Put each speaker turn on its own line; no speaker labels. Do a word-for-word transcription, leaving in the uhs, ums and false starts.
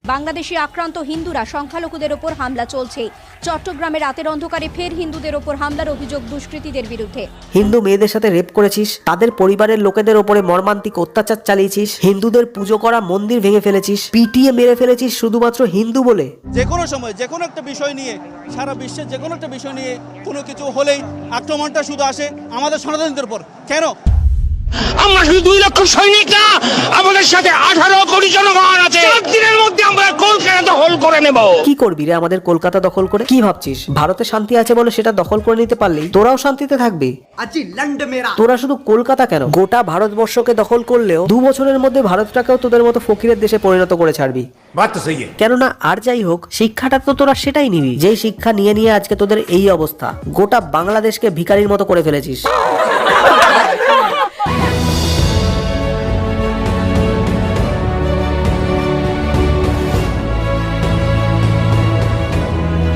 বাংলাদেশে আক্রান্ত হিন্দুরা সংখ্যালঘুদের ওপর হামলা চলছে। চট্টগ্রামে রাতের অন্ধকারে ফের হিন্দুদের ওপর হামলার অভিযোগ দুষ্কৃতীদের বিরুদ্ধে।
হিন্দু মেয়েদের সাথে রেপ করেছিস, তাদের পরিবারের লোকেদের ওপরে মর্মান্তিক অত্যাচার চালিয়েছিস, হিন্দুদের পুজো করা মন্দির ভেঙে ফেলেছিস, পিটিয়ে মেরে ফেলেছিস শুধুমাত্র হিন্দু বলে।
যে কোনো সময় যে কোনো একটা বিষয় নিয়ে, সারা বিশ্বের যে কোনো একটা বিষয় নিয়ে কোনো কিছু হলেই আক্রমণটা শুধু আসে আমাদের সনাতনীদের উপর। কেন?
আমরা শুধু দুই লক্ষ সৈনিক না, আমাদের সাথে আঠারো কোটি জনগণ আছে। চার দিনের মধ্যে আমরা কলকাতা দখল করে নেব।
কি করবি রে আমাদের কলকাতা দখল করে? কি ভাবছিস ভারতে শান্তি আছে বলে সেটা দখল করে নিতে পারলেই তোরাও শান্তিতে থাকবি? তোরা শুধু কলকাতা কেন, গোটা ভারতবর্ষকে দখল করলেও দু বছরের মধ্যে ভারতটাকেও তোদের মতো ফকিরের দেশে পরিণত করে ছাড়বি। কেননা আর যাই হোক, শিক্ষাটা তো তোরা সেটাই নিবি যেই শিক্ষা নিয়ে নিয়ে আজকে তোদের এই অবস্থা। গোটা বাংলাদেশকে ভিখারির মতো করে ফেলেছিস।